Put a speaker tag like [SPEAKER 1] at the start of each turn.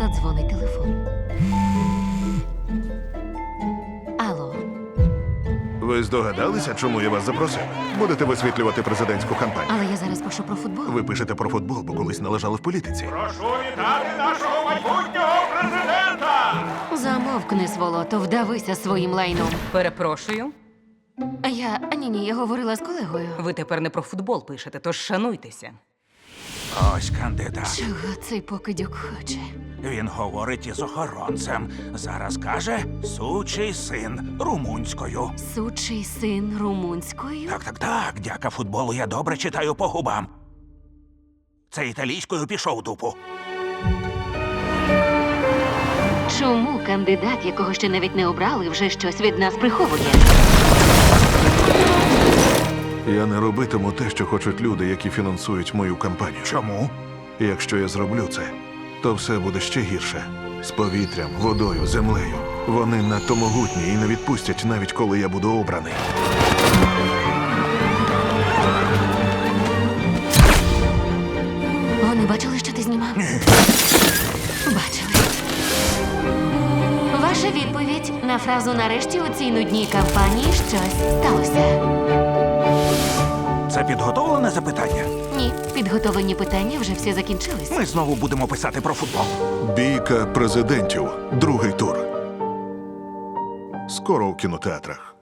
[SPEAKER 1] Задзвонить телефон. Алло.
[SPEAKER 2] Ви здогадалися, чому я вас запросив? Будете висвітлювати президентську кампанію.
[SPEAKER 1] Але я зараз пишу про футбол.
[SPEAKER 2] Ви пишете про футбол, бо колись належали в політиці.
[SPEAKER 3] Прошу вітати нашого майбутнього президента!
[SPEAKER 1] Замовкни, сволото, вдавися своїм лайном.
[SPEAKER 4] Перепрошую,
[SPEAKER 1] Ні, я говорила з колегою.
[SPEAKER 4] ви тепер не про футбол пишете, тож шануйтеся.
[SPEAKER 5] Ось кандидат.
[SPEAKER 1] Чого цей покидьок хоче?
[SPEAKER 5] Він говорить із охоронцем. Зараз каже «сучий син» румунською.
[SPEAKER 1] Сучий син румунською?
[SPEAKER 5] Так, дяка футболу я добре читаю по губам. Це італійською пішов дупу.
[SPEAKER 1] Чому кандидат, якого ще навіть не обрали, вже щось від нас приховує?
[SPEAKER 2] Я не робитиму те, що хочуть люди, які фінансують мою кампанію.
[SPEAKER 5] Чому?
[SPEAKER 2] І якщо я зроблю це, то все буде ще гірше. З повітрям, водою, землею. Вони надто могутні і не відпустять, навіть коли я буду обраний.
[SPEAKER 1] Вони бачили, що ти знімав? Бачили. Ваша відповідь на фразу «нарешті у цій нудній кампанії щось сталося».
[SPEAKER 5] Це підготовлене запитання?
[SPEAKER 1] Ні, підготовлені питання вже всі закінчились.
[SPEAKER 5] Ми знову будемо писати про футбол.
[SPEAKER 2] Бійка президентів. Другий тур. Скоро у кінотеатрах.